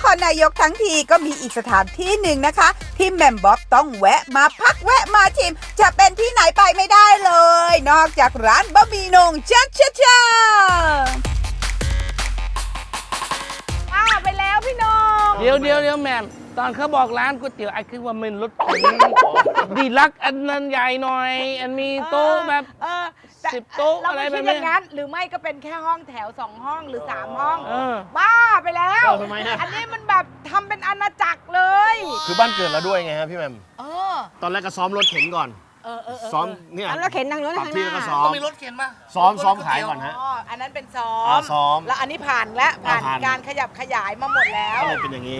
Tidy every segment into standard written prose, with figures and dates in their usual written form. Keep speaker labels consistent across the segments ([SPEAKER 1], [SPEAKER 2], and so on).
[SPEAKER 1] รนายกทั้งทีก็มีอีกสถานที่หนึ่งนะคะ ที่แหม่มบ๊อบต้องแวะมาพักแวะมาชิม จะเป็นที่ไหนไปไม่ได้เลย นอกจากร้านบะหมี่โหน่งชัชชา
[SPEAKER 2] ไปแล้วพี่น้อง
[SPEAKER 3] เดี๋ยวแม่มตอนเขาบอกร้านก๋วยเตี๋ยวไอ้คือว่ามันรถเข็นดีลักซ์อันนั้นใหญ่หน่อย อันมีโต๊ะแบบ10 โต๊ะอะไรแบบ
[SPEAKER 2] เราไม่คิดอ
[SPEAKER 3] นี้
[SPEAKER 2] ย่างนั้นหรือไม่ก็เป็นแค่ห้องแถว2 ห้องหรือ3 ห้อง
[SPEAKER 3] อ
[SPEAKER 2] บ้าไปแล้ว
[SPEAKER 4] ทำไมฮะ
[SPEAKER 2] อันนี้มันแบบทำเป็นอาณาจักรเลย
[SPEAKER 4] คือบ้านเกิดเราด้วยไงฮะพี่แหม่ม
[SPEAKER 2] เออ
[SPEAKER 4] ตอนแรกก็ซ้อมรถเข็นก่อน ซ้อมเนี่ย
[SPEAKER 5] แล้วเข็นทางโน้น
[SPEAKER 4] ปรับ
[SPEAKER 5] ทางห
[SPEAKER 4] ที่แล้วก็
[SPEAKER 5] น้า
[SPEAKER 4] ซ้อม
[SPEAKER 3] ต้องมีรถเข็นป่ะ
[SPEAKER 4] ซ้อมขายก่อนฮะ
[SPEAKER 2] อ๋ออันนั้นเป็นซ้อ
[SPEAKER 4] ซ้อม
[SPEAKER 2] แล้วอันนี้ผ่านแล้วผ่าน
[SPEAKER 4] ผ่าน
[SPEAKER 2] การขยับขยายมาหมดแล้ว
[SPEAKER 4] ก็เลยเป็นอย่างนี้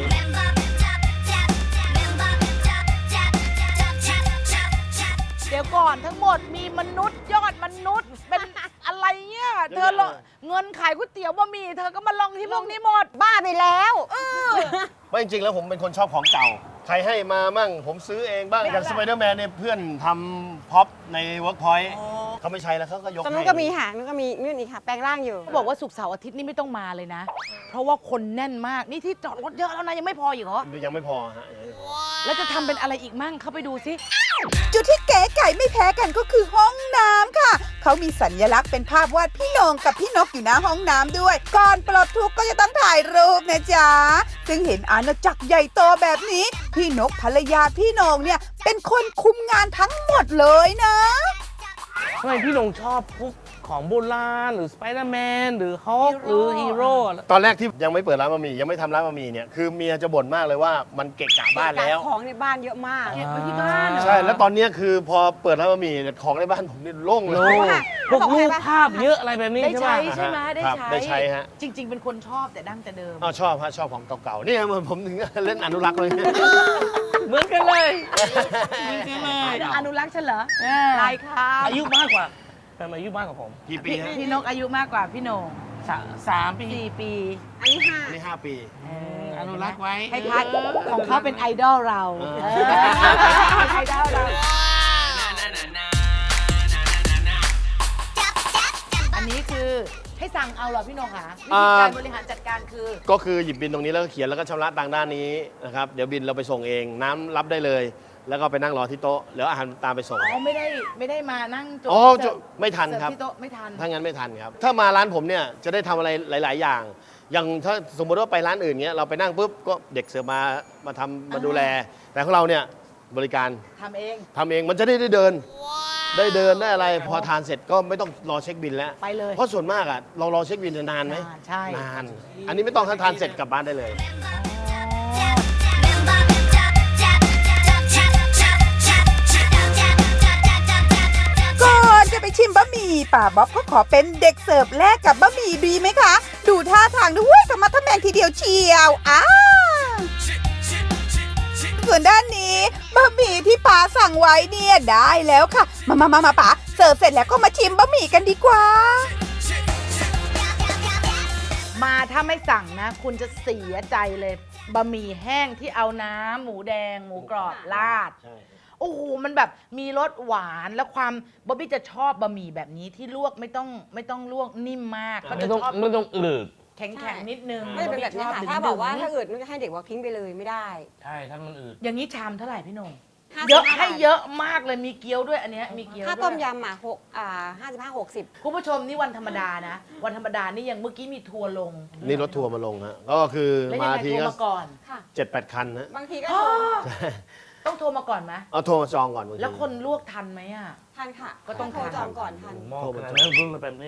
[SPEAKER 2] เดี๋ยวก่อนทั้งหมดมีมนุษย์ยอดมนุษย์เป็นอะไรเนี่ยเธอลงเงินขายก๋วยเตี๋ยวบะหมี่เธอก็มาลงที่พวกนี้หมด
[SPEAKER 5] บ้าไปแล้ว
[SPEAKER 4] ไม่จริงๆแล้วผมเป็นคนชอบของเก่า ใครให้มามั่งผมซื้อเองบ้าง อย่างสไปเดอร์แมนเนี่ยเพื่อนทำพ็อปในเวิร์กพอยต์เขาไม่ใช้แล้วเขาก็ยก
[SPEAKER 5] ตอน
[SPEAKER 4] ให้
[SPEAKER 5] นู้นก็มีค่ะนู้นก็มีนู่นอีกค่ะ แปลงร่างอยู่
[SPEAKER 2] เขาบอกว่าศุกร์เสาร์อาทิตย์นี่ไม่ต้องมาเลยนะ เพราะว่าคนแน่นมากนี่ที่จอดรถเยอะแล้วนะยังไม่พออีกเหรอ
[SPEAKER 4] ยังไม่พอฮะยังไม่พอ
[SPEAKER 2] แล้วจะทำเป็นอะไรอีกมั่งเข้าไปดูสิ
[SPEAKER 1] จุดที่เก๋ไก่ไม่แพ้กันก็คือห้องน้ำค่ะ เขามีสัญลักษณ์เป็นภาพวาดพี่โหนงกับพี่นกอยู่หน้าห้องน้ำด้วย ก่อนปลดทุกข์ก็จะต้องถ่ายรูปนะจ๊ะ ซึ่งเห็นอาณาจักรใหญ่โตแบบนี้ พี่นกภรรยาพี่โหนงเนี่ยเป็นคนคุมงานทั้งหมดเลยนะ
[SPEAKER 3] ทำไมพี่หนงชอบพวกของโบราณหรือสไปเดอร์แมนหรือฮอคหรือฮีโร่
[SPEAKER 4] ตอนแรกที่ยังไม่เปิดร้านบะหมี่ยังไม่ทำร้านบะหมี่เนี่ยคือเมียจะบ่นมากเลยว่ามันเกะกะบ้านแล้ว
[SPEAKER 5] ของในบ้านเยอะมาก
[SPEAKER 2] เก็บไว้ที่บ้านเหรอ
[SPEAKER 4] ใช่แล้วตอนเนี้ยคือพอเปิดร้านบะหมี่เนี่ยของในบ้านผมนี่โล่งเล
[SPEAKER 3] โอ้
[SPEAKER 4] ย
[SPEAKER 3] พวกรูปภาพเยอะอะไรแบบนี้
[SPEAKER 2] ได้
[SPEAKER 3] ใช่
[SPEAKER 2] ใช้
[SPEAKER 3] ป่ะ
[SPEAKER 2] ใช่ไหมได้
[SPEAKER 4] ครับ
[SPEAKER 2] ใช้
[SPEAKER 4] ได้ใช้ฮะ
[SPEAKER 2] จริง ๆ เป็นคนชอบแต่ดั้งแต่เดิม
[SPEAKER 4] อ้าวชอบฮะชอบของเก่าๆนี่ผมถึงเล่นอนุรักษ์เลย
[SPEAKER 3] เหมือนกันเลย
[SPEAKER 2] อนุรักษ์ฉันเหรอลายครับ
[SPEAKER 3] อายุมากกว่าแฟนอายุมากกว่าผม
[SPEAKER 4] กี่ปีฮะ
[SPEAKER 2] พี่นกอายุมากกว่าพี่โหน่ง
[SPEAKER 3] 3 ปี
[SPEAKER 2] 4 ปี
[SPEAKER 5] อันนี้5
[SPEAKER 4] อันนี้5 ปี
[SPEAKER 3] อนุรักษ์ไว้
[SPEAKER 2] คล้ายๆของเขาเป็นไอดอลเรา
[SPEAKER 4] เออ
[SPEAKER 2] ไอดอลเรา อันนี้คือให้สั่งเอาเหรอพี่โหน่งคะวิธีการบริหารจัดการคือ
[SPEAKER 4] ก็คือหยิบบินตรงนี้แล้วก็เขียนแล้วก็ชำระตังค์ด้านนี้นะครับเดี๋ยวบินเราไปส่งเองน้ำรับได้เลย แล้วก็ไปนั่งรอที่โต๊ะแล้วอาหารตามไปส่ง
[SPEAKER 2] อ๋อไม่ได้มานั่งจด
[SPEAKER 4] อ๋อ
[SPEAKER 2] เสิร์ฟ
[SPEAKER 4] ไม่ทันครับ
[SPEAKER 2] เสิฟที่โต๊ะไม่ทัน
[SPEAKER 4] ถ้างั้นไม่ทันครับ ถ้ามาร้านผมเนี่ยจะได้ทำอะไรหลาย ๆ อย่าง อย่างถ้าสมมติว่าไปร้านอื่นเงี้ยเราไปนั่งปุ๊บก็เด็กเสิร์ฟมาทำมาดูแล แต่ของเราเนี่ยบริการ
[SPEAKER 2] ทำเอง
[SPEAKER 4] ทำเองมันจะได้เดิน ได้เดินได้อะไร พอทานเสร็จก็ไม่ต้องรอเช็คบินแล้ว
[SPEAKER 2] ไปเลย
[SPEAKER 4] เพราะส่วนมากอ่ะเรารอเช็คบินจะนานไหม
[SPEAKER 2] นานใช่
[SPEAKER 4] นาน อันนี้ไม่ต้องทานเสร็จกลับบ้านได้เลย
[SPEAKER 1] ก่อนจะไปชิมบะหมี่ป่าบ๊อบก็ขอเป็นเด็กเสิร์ฟแลกกับบะหมี่ดีไหมคะ ดูท่าทางด้วยธรรมะทะแมงทีเดียวเชียวส่วนด้านนี้บะหมี่ที่ป๋าสั่งไว้เนี่ยได้แล้วค่ะ มาป๋าเสิร์ฟเสร็จแล้วก็มาชิมบะหมี่กันดีกว่า
[SPEAKER 2] มาถ้าไม่สั่งนะ คุณจะเสียใจเลยบะหมี่แห้งที่เอาน้ำหมูแดงหมูกรอบราด
[SPEAKER 4] ใช่
[SPEAKER 2] โอ้โหมันแบบมีรสหวานและความบ๊อบบี้จะชอบบะหมี่แบบนี้ที่ลวกไม่ต้องลวกนิ่มมากเขา
[SPEAKER 3] ไม่
[SPEAKER 2] จะ
[SPEAKER 3] ต้อง
[SPEAKER 2] ชอบ
[SPEAKER 3] ไม่ต้องอืด
[SPEAKER 2] แข็งๆนิดนึง
[SPEAKER 5] ก็จะเป็นแบบนี้ค่ะ
[SPEAKER 2] ช
[SPEAKER 5] ถ้าบอกว่า
[SPEAKER 2] ดึงๆ
[SPEAKER 5] ถ้าอื่นมันก็ให้เด็กว่าทิ้งไปเลยไม่ได้
[SPEAKER 3] ใช่ถ้ามันอืด
[SPEAKER 2] อย่างนี้ชามเท่าไหร่พี่โหนง
[SPEAKER 5] 55
[SPEAKER 2] เยอะให้
[SPEAKER 5] บาท
[SPEAKER 2] เยอะมากเลยมีเกี๊ยวด้วยอันเนี้ยมีเกี๊ยว
[SPEAKER 5] ถ้า
[SPEAKER 2] ด้วย
[SPEAKER 5] ต้มยำ55-60
[SPEAKER 2] คุณผู้ชมนี่วันธรรมดานะ วันธรรมดานี่ยังเมื่อกี้มีทัวร์ลง
[SPEAKER 4] นี่รถทัวร์มาลงฮะก็คือ
[SPEAKER 2] แล้วยั
[SPEAKER 4] มาง
[SPEAKER 2] ไง
[SPEAKER 4] ที
[SPEAKER 2] โทร
[SPEAKER 4] ก็
[SPEAKER 2] มาก่อน
[SPEAKER 5] ค่ะ
[SPEAKER 4] 7-8 คันฮะ
[SPEAKER 5] บางทีก็
[SPEAKER 2] ต้องโทรมาก่อนไหม
[SPEAKER 4] เอาโทรมาจองก่อนบางที
[SPEAKER 2] แล้วคนลวกทันไหมอ่ะ
[SPEAKER 5] ทันค่ะ
[SPEAKER 2] ก็ต้อง
[SPEAKER 5] โทรจองก่อนทัน
[SPEAKER 3] หม้อขนาดนั้นรุ่นแบบนี้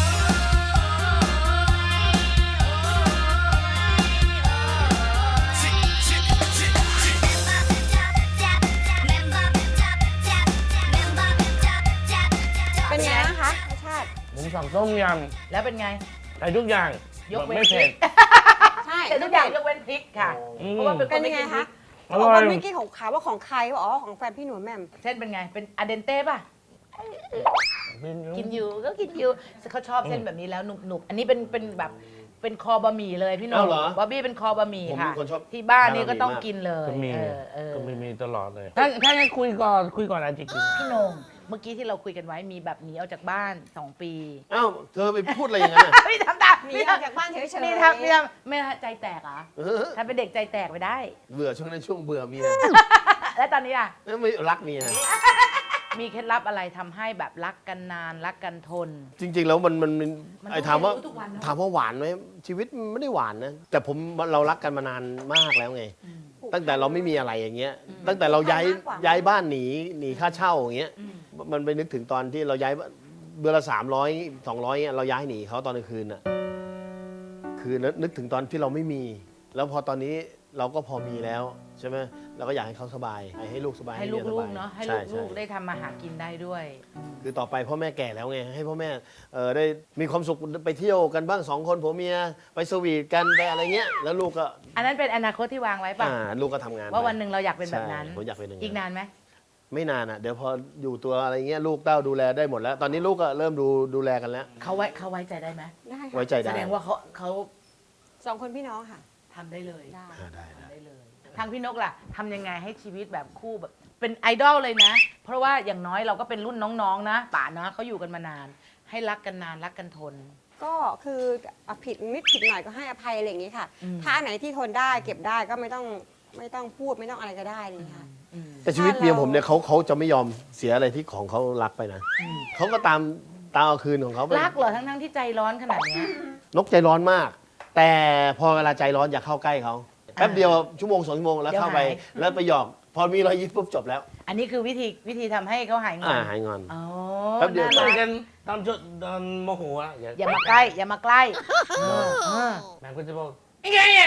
[SPEAKER 5] เป็นไงนะคะรสชาติ
[SPEAKER 3] ผมสั่งต้มย
[SPEAKER 2] แล้วเป็นไง
[SPEAKER 3] ำใส่ทุกอย่าง
[SPEAKER 2] ยกเว้น
[SPEAKER 3] ไม่เผ็ด
[SPEAKER 5] ใช่
[SPEAKER 2] แต่ทุกอย่างยกเว้นพริกค่ะ
[SPEAKER 3] อืม
[SPEAKER 2] เพราะว่าเป็นค
[SPEAKER 5] เป็น
[SPEAKER 2] น
[SPEAKER 5] ยั
[SPEAKER 2] ไม่
[SPEAKER 5] งไง
[SPEAKER 2] กินพริ
[SPEAKER 5] คะ
[SPEAKER 2] ก
[SPEAKER 3] อร่อย
[SPEAKER 5] เมื่อกี้ของขาว่าของใครบอกอ๋อของแฟนพี่หนูแหม่ม
[SPEAKER 2] เส้นเป็นไง เป็นอะเดนเต้ป่ะ กินอยู่ก็กินอยู่เขาชอบเส้นแบบนี้แล้วหนุบๆ อันนี้เป็นแบบเป็นคอบะหมี่เลยพี่หนุ่
[SPEAKER 4] อ้าม วเหรอ
[SPEAKER 2] บ๊อบบี้เป็นคอบะหมี่
[SPEAKER 4] ผม
[SPEAKER 2] ค่ะ
[SPEAKER 4] เป็นคนชอบ
[SPEAKER 2] ที่บ้านนี่
[SPEAKER 4] ทานบะหมี่
[SPEAKER 2] ก็ต้อง
[SPEAKER 4] มาก
[SPEAKER 2] กินเลย
[SPEAKER 3] ก็มี
[SPEAKER 2] เออ
[SPEAKER 3] ก็มีตลอดเลย ถ้างั้นคุยก่อนอาจจะกิน
[SPEAKER 2] พี่โหนงเมื่อกี้ที่เราคุยกันไว้มีแบบหนีออกจากบ้าน 2 ปี
[SPEAKER 4] อ้าวเธอไปพูดอะไรอย่างนั้นน่ะ
[SPEAKER 2] ไม่ทำตาม
[SPEAKER 5] หนีออกจากบ้านเฉยๆ
[SPEAKER 2] นี่ทำไม่ใจแตกเหรอ
[SPEAKER 4] เออ
[SPEAKER 2] ถ้าเป็นเด็กใจแตกไปได้
[SPEAKER 4] เบื่อช่วงนั้นช่วงเบื่อเมีย
[SPEAKER 2] แล้วตอนนี้อ่ะ
[SPEAKER 4] ไม่รักเมีย
[SPEAKER 2] มีเคล็ดลับอะไรทำให้แบบรักกันนานรักกันทน
[SPEAKER 4] จริง ๆ แล้วมัน
[SPEAKER 2] มัน
[SPEAKER 4] ไอ้
[SPEAKER 2] ต้อง
[SPEAKER 4] ถามว่า
[SPEAKER 2] เรียนรู้ทุกวันเนอะ
[SPEAKER 4] ถามว่าหวานไหมชีวิตมันไม่ได้หวานนะ แต่เรารักกันมานานมากแล้วไง ตั้งแต่เราไม่มีอะไรอย่างเงี้ย ตั้งแต่เราย้ายบ้านหนีค่าเช่าอย่างเงี้ย มันไปนึกถึงตอนที่เราย้ายเดือนละ300 200เงี้ยเราย้ายหนีเขาตอนกลางคืนน่ะคือนึกถึงตอนที่เราไม่มี แล้วพอตอนนี้เราก็พอมีแล้วใช่ไหมเราก็อยากให้เขาสบายให้ลูกสบาย
[SPEAKER 2] ให้
[SPEAKER 4] มียส
[SPEAKER 2] ลู
[SPEAKER 4] บาก ย
[SPEAKER 2] ๆเนาะให้
[SPEAKER 4] ช่
[SPEAKER 2] ลูก
[SPEAKER 4] ช่
[SPEAKER 2] ๆได้ทำมาหากินได้ด้วย
[SPEAKER 4] คือต่อไปพ่อแม่แก่แล้วไงให้พ่อแม่ได้มีความสุขไปเที่ยวกันบ้าง2 คนผัวเมียไปสวีทกันไปอะไรเงี้ยแล้วลูกก็
[SPEAKER 2] อันนั้นเป็นอนาคตที่วางไว้ป่ะ
[SPEAKER 4] ลูกก็ทำงาน
[SPEAKER 2] ว่า
[SPEAKER 4] ไป
[SPEAKER 2] วันหนึ่งเราอยากเป็นแบบนั้น
[SPEAKER 4] ใช่ผมอยากเป็นอย่างนั้น
[SPEAKER 2] อีกนานไหม
[SPEAKER 4] ไม่นานอ่ะเดี๋ยวพออยู่ตัวอะไรเงี้ยลูกเต้าดูแลได้หมดแล้ว ตอนนี้ลูกก็เริ่มดูแลกันแล้ว
[SPEAKER 2] เขาไว้ใจได้ไหม
[SPEAKER 5] ได้ค่ะ
[SPEAKER 4] ไว้ใจ
[SPEAKER 2] แส
[SPEAKER 4] ได้
[SPEAKER 2] ดงว่าเขา
[SPEAKER 5] 2 คนพี่น้องค่ะ
[SPEAKER 2] ทำได้เลย
[SPEAKER 5] ได้
[SPEAKER 4] ได้
[SPEAKER 2] ทำได้เลย ทางพี่นกล่ะทำยังไงให้ชีวิตแบบคู่แบบเป็นไอดอลเลยนะ เพราะว่าอย่างน้อยเราก็เป็นรุ่นน้องๆนะป่านะเขาอยู่กันมานาน ให้รักกันนานรักกันทน
[SPEAKER 5] ก็คือผิดนิดผิดหน่อยก็ให้อภัยอะไรอย่างนี้ค่ะ
[SPEAKER 2] อืม
[SPEAKER 5] ถ้าอันไหนที่ทนได้เก็บได้ก็ไม่ต้องพูดไม่ต้องอะไรก็ได้อะไรอย่างนี้ค่ะ
[SPEAKER 2] อืม
[SPEAKER 4] แต่ชีวิตเมียผมเนี่ยเขาจะไม่ยอมเสียอะไรที่ของเขารักไปนะเขาก็ตามเอาคืนของเขาไป
[SPEAKER 2] รักเหรอทั้งที่ใจร้อนขนาดเนี้ย
[SPEAKER 4] นกใจร้อนมาก แต่พอเวลาใจร้อนอย่าเข้าใกล้เขาแป๊บเดียวชั่วโมง2 ชั่วโมงแล้วเข้าไป
[SPEAKER 2] เดี๋ยวหาย
[SPEAKER 4] แล้วไปหยอก พอมีรอยยิ้มปุ๊บจบแล้ว
[SPEAKER 2] อันนี้คือวิธีทำให้เขาหายงอน
[SPEAKER 4] หายงอน
[SPEAKER 2] อ๋อ
[SPEAKER 4] แป๊บเดียว
[SPEAKER 2] น่า
[SPEAKER 3] คุ
[SPEAKER 2] รั
[SPEAKER 3] ย
[SPEAKER 2] ก
[SPEAKER 3] กันตอนโมโหอะ
[SPEAKER 2] อย่ามาใกล้ อย่ามาใกล้เออ
[SPEAKER 3] แม่ก็จะบอกยังไงเนี่ย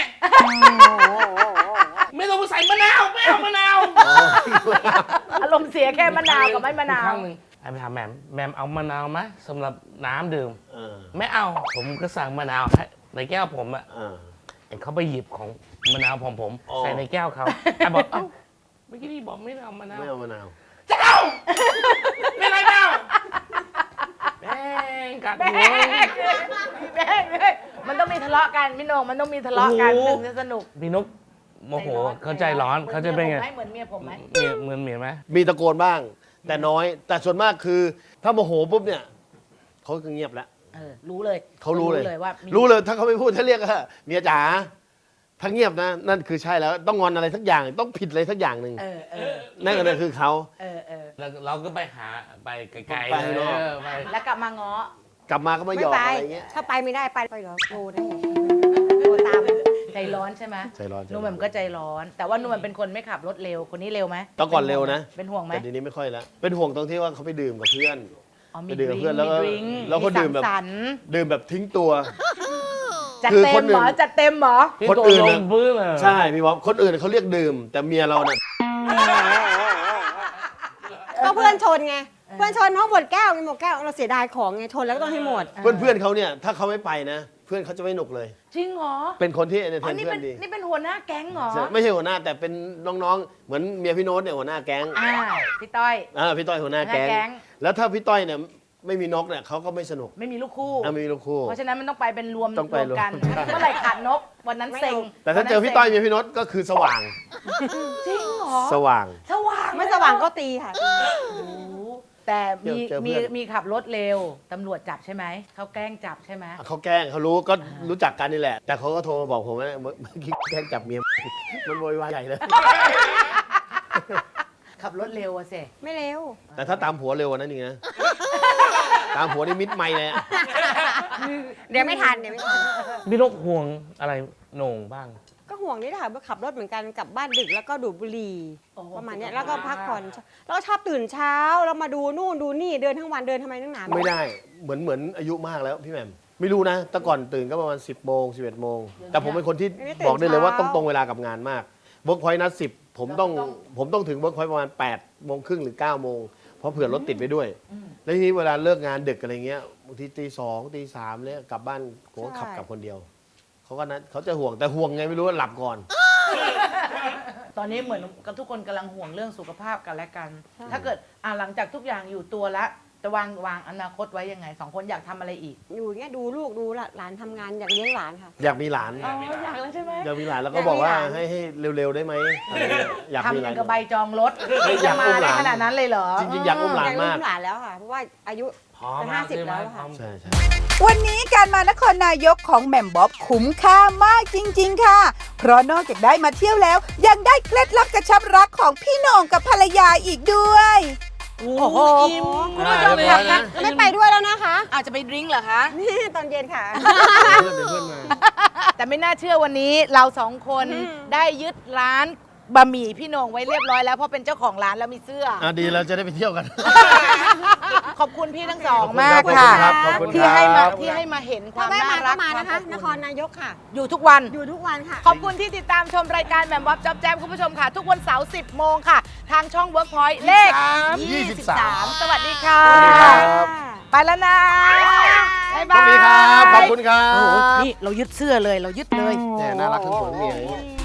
[SPEAKER 3] ไม่ต้องไปใส่มะนาวไม่เอามะนาว
[SPEAKER 2] อารมณ์เสียแค่มะนาวกับไม่มะนาว
[SPEAKER 3] ครั้งหนึ่งไอ้ไปถามแหม่มเอามะนาวไหมสำหรับน้ำดื่ม
[SPEAKER 4] เออ
[SPEAKER 3] ไม่เอาผมก็สั่งมะนาวให้ในแก้วผมอะ
[SPEAKER 4] เออ
[SPEAKER 3] ไอ้เขาไปหยิบของมะนาวของผม
[SPEAKER 4] อ๋อ
[SPEAKER 3] ใส่ในแก้วเขาไอ้บอกเอ้าเมื่อกี้นี่บอกไม่เอามะนาว
[SPEAKER 4] ไม่เอามะนาว
[SPEAKER 3] จะเอาไม่ไรเอาแม่งกัดหัว
[SPEAKER 2] แม่งมันต้องมีทะเลาะกันพี่โหนงมันต้องมีทะเลาะกัน
[SPEAKER 3] โอ้โห
[SPEAKER 2] ถึงจะสนุก
[SPEAKER 3] พี่นกโมโหเขาใจร้อนเขาจะเป็นไง
[SPEAKER 2] เหมือนเมียผมไหม
[SPEAKER 3] เหมือนเมียไหม
[SPEAKER 4] มีตะโกนบ้าง แต่น้อย แต่ส่วนมากคือถ้าโมโหปุ๊บเนี่ยเขาก็เงียบแล้ว
[SPEAKER 2] รู้เลย
[SPEAKER 4] เขารู้เลย
[SPEAKER 2] ว่ามี
[SPEAKER 4] รู้เลยถ้าเขาไม่พูดถ้าเรียกว่าเมียจ๋าถ้าเงียบนะนั่นคือใช่แล้วต้องงอนอะไรสักอย่างต้องผิดอะไรสักอย่างหนึ่ง นั่นก็คือเขา
[SPEAKER 3] แล้วเราก็ไปหาไปไกลๆ
[SPEAKER 4] ไปข้างนอก
[SPEAKER 3] ไป
[SPEAKER 2] แล้วกลับมาง้อก
[SPEAKER 4] ลับมาก็ไม่
[SPEAKER 5] ไม่
[SPEAKER 4] หยอก
[SPEAKER 5] ไป
[SPEAKER 4] อะไรเงี้ย
[SPEAKER 5] ถ้าไปไม่ได้ไปเหรอโทรได้โทรตาม
[SPEAKER 2] ใจร้อนใช่ไหม
[SPEAKER 4] ใจร้อน
[SPEAKER 2] นุ่มแหม่มก็ใจร้อน แต่ว่านุ่มแหม่มเป็นคนไม่ขับรถเร็วคนนี้เร็วไหม
[SPEAKER 4] ตอนก่อนเร็วนะ
[SPEAKER 2] เป็นห่วงไหม
[SPEAKER 4] แต่ทีนี้ไม่ค่อยแล้วเป็นห่วงตรงที่ว่าเขาไปดื่มกับเพื่อน
[SPEAKER 2] อ๋อมี
[SPEAKER 4] ไปดื่มกับเพื่อนแล้วก็
[SPEAKER 2] ดริงก์
[SPEAKER 4] แล้วก็ดื่มแบบ
[SPEAKER 2] สังสรรค์
[SPEAKER 4] ดื่มแบบทิ้งตัว
[SPEAKER 2] จัด
[SPEAKER 4] คือ
[SPEAKER 2] เต็
[SPEAKER 4] ค
[SPEAKER 2] ม
[SPEAKER 4] นอื่
[SPEAKER 2] เหร
[SPEAKER 4] น
[SPEAKER 2] อจัดเต็มเหรอ
[SPEAKER 3] พี่
[SPEAKER 4] คน
[SPEAKER 3] ตัว
[SPEAKER 4] อื่น
[SPEAKER 3] ล
[SPEAKER 4] น่ะ
[SPEAKER 3] งพื้นอะ
[SPEAKER 4] ใช่พี่บ๊อบคนอื่นเขาเรียกดื่ม แต่เมียเราน่ะ
[SPEAKER 5] ก็เพื่อนชนไง เพื่อนชนเพราะหมดแก้วไงหมดแก้วเราเสียดายของไงชนแล้วก็ต้องให้หมด
[SPEAKER 4] เพื่อนเขาเนี่ยถ้าเขาไม่ไปนะ เพื่อนเขาจะไม่หนุกเลย
[SPEAKER 2] จริงเหรอ
[SPEAKER 4] เป็นคนที่เอนเตอร์
[SPEAKER 2] อ๋
[SPEAKER 4] เท
[SPEAKER 2] อน นี่
[SPEAKER 4] เพื่
[SPEAKER 2] เป็
[SPEAKER 4] อน นดี
[SPEAKER 2] นี่เป็นหัวหน้าแก๊งเหรอ
[SPEAKER 4] ใช่ไม่ใช่หัวหน้าแต่เป็นน้องๆ เหมือนเมียพี่โน้ตเนี่ยหัวหน้าแก๊ง
[SPEAKER 2] พี่ต้อย
[SPEAKER 4] พี่ต้อยหัวหน้าแก๊
[SPEAKER 2] หัวหน้าแก๊ง
[SPEAKER 4] ง แล้วถ้าพี่ต้อยเนี่ยไม่มีนกเนี่ยเขาก็ไม่สนุก
[SPEAKER 2] ไม่มีลูกคู่
[SPEAKER 4] ไม่มีลูกคู่
[SPEAKER 2] เพราะฉะนั้นมันต้องไปเป็นรวม
[SPEAKER 4] ต้องไป
[SPEAKER 2] รวมกัน
[SPEAKER 4] รวม
[SPEAKER 2] เมื่อไหร่ขาดนกวันนั้นเซ็ง
[SPEAKER 4] แต่ถ้าเจอพี่ต้อยเมียพี่โน้ตก็คือสว่าง
[SPEAKER 2] จริงเหรอ
[SPEAKER 4] สว่าง
[SPEAKER 2] สว่าง
[SPEAKER 5] ไม่สว่างก็ตีค่ะ
[SPEAKER 2] โอ้โหแต่มี
[SPEAKER 4] เจอเพื่
[SPEAKER 2] มี
[SPEAKER 4] อน
[SPEAKER 2] มีขับรถเร็วตำรวจจับใช่ไหมเขาแกล้งจับใช่ไหม
[SPEAKER 4] เขาแกล้งเขารู้ก็รู้จักกันนี่แหละ แต่เขาก็โทรมาบอกผมว่าเมื่อกี้แกล้งจับเมียมันโวยวายใหญ่เลย
[SPEAKER 2] ขับรถเร็วอะเส
[SPEAKER 5] ไม่เร็ว
[SPEAKER 4] แต่ถ้าตามผัวเร็วกว่านั้นอีกนะ ตามผัวนี่มิดไม่เลยอะ
[SPEAKER 5] เดี๋ยวไม่ทันเดี๋ยวไม่ทัน
[SPEAKER 3] พี่นกห่วงอะไรโหน่งบ้าง
[SPEAKER 5] ก็ห่วงนี่แหละค่ะขับรถเหมือนกันกลับบ้านดึกแล้วก็ดูดบุหรี่ประมาณเนี้ยแล้วก็พักผ่อนแล้วก็ชอบตื่นเช้าแล้วมาดูนู่นดูนี่เดินทั้งวันเดินทำไมนักหนา
[SPEAKER 4] ไม่ได้เหมือนอายุมากแล้วพี่แหม่มไม่รู้นะ แต่ก่อนตื่นก็ประมาณ 10 โมง 11 โมง แต่ผมเป็นคนที่บอกได้เลยว่าต้องตรงเวลากับงานมากเวิร์กพอยต์นัด10ผมต้องถึงเวิร์กพอยต์ประมาณ8 โมงครึ่งหรือ 9 โมงเพราะเผื่อรถติดไปด้วย แล้วทีนี้เวลาเลิกงานดึกอะไรเงี้ยบางทีตี 2 ตี 3เลยกลับบ้านผมก็ขับกลับคนเดียวเขาก็นัดเขาจะห่วงแต่ห่วงไงไม่รู้ว่าหลับก่อน
[SPEAKER 2] ตอนนี้เหมือนกับทุกคนกำลังห่วงเรื่องสุขภาพกันและกัน ถ้าเกิดหลังจากทุกอย่างอยู่ตัวแล้ว แต่จะวางอนาคตไว้ยังไง2 คนอยากทำอะไรอีก
[SPEAKER 5] อยู่อย่างเงี้ยดูลูกดูหลานทำงานอยากเลี้ยงหลานค่ะ
[SPEAKER 4] อยากมีหลาน
[SPEAKER 2] อ๋ออยากแล้วใช่ไหม
[SPEAKER 4] อยากมีหลานแล้วก็บอกว่าให้เร็วๆได้ไหมอะไรเงี้ยอยากมี
[SPEAKER 2] ทำ
[SPEAKER 4] ห
[SPEAKER 2] อ
[SPEAKER 4] ลา
[SPEAKER 2] ย่าน งกับใบจองรถ
[SPEAKER 4] อยาก
[SPEAKER 2] มา
[SPEAKER 4] อุ้มห
[SPEAKER 2] ได้
[SPEAKER 4] ลาน
[SPEAKER 2] ขนาดนั้นเลยเหรอ
[SPEAKER 4] จริงๆอยากอุ้มหลาน
[SPEAKER 5] อยากเลี้
[SPEAKER 4] มาย ก
[SPEAKER 5] งหลานแล้วค่ะ เพราะว่าอายุ
[SPEAKER 3] พร้อม
[SPEAKER 5] จะ
[SPEAKER 3] แล้วใช่
[SPEAKER 5] 50
[SPEAKER 3] ไหม
[SPEAKER 5] แล้วค่ะ
[SPEAKER 4] ใช่
[SPEAKER 1] วันนี้การมานครนายกของแหม่มบ๊อบคุ้มค่ามากจริง ๆ ค่ะ เพราะนอกจากได้มาเที่ยวแล้ว ยังได้เคล็ดลับกระชับรักของพี่โหน่งกับภรรยาอีกด้วย
[SPEAKER 2] โอ้โห
[SPEAKER 3] อิ่ม
[SPEAKER 2] คุณผู้ชมค่ะ
[SPEAKER 3] นะ
[SPEAKER 5] ไม่ไปด้วยแล้วนะคะ
[SPEAKER 2] อาจจะไปดริ้งก์เหรอคะ
[SPEAKER 5] นี่ตอนเย็นค่ะ
[SPEAKER 4] เดี๋ยวเพื่อนมา
[SPEAKER 2] แต่ไม่น่าเชื่อวันนี้เรา2 คนได้ยึดร้านบะหมี่พี่โหน่งไว้เรียบร้อยแล้วเพราะเป็นเจ้าของร้านแล้วมีเสื้อ
[SPEAKER 4] ดีเราจะได้ไปเที่ยวกัน
[SPEAKER 2] ขอบคุณพี่ทั้งสอง
[SPEAKER 4] ขอบคุณ
[SPEAKER 2] มาก
[SPEAKER 4] ครับ
[SPEAKER 2] ค่ะ
[SPEAKER 4] ขอบคุณครับ
[SPEAKER 2] ที่ให้มา
[SPEAKER 4] ขอบคุณครับ
[SPEAKER 2] ที่ให้มาเห็นควา
[SPEAKER 5] ถ้าม แวะ
[SPEAKER 2] น่า
[SPEAKER 5] มา
[SPEAKER 2] รั
[SPEAKER 5] ก็
[SPEAKER 2] ก
[SPEAKER 5] มานะคะ
[SPEAKER 2] ว
[SPEAKER 5] นครนายกค่ะ
[SPEAKER 2] อยู่ทุกวัน
[SPEAKER 5] อยู่ทุกวันค่ะ
[SPEAKER 2] ขอบคุณที่ติดตามชมรายการแหม่มวับจ๊อบแจ๊บคุณผู้ชมค่ะ ทุกวันเสาร์ 10 โมงค่ะ ทางช่อง Workpoint เลข 23 สวัสดีค่ะ
[SPEAKER 4] สวัสดีครับ
[SPEAKER 2] ไปแล้วนะ บ๊าย
[SPEAKER 4] โช
[SPEAKER 2] บา
[SPEAKER 4] ค
[SPEAKER 2] ย
[SPEAKER 4] ดีครับ ขอบคุณครั
[SPEAKER 2] โอ้โห
[SPEAKER 4] บ
[SPEAKER 2] นี่เรายึดเสื้อเลยเรายึดเลย
[SPEAKER 4] เนี่ยน่ารักทั้งสองเมีย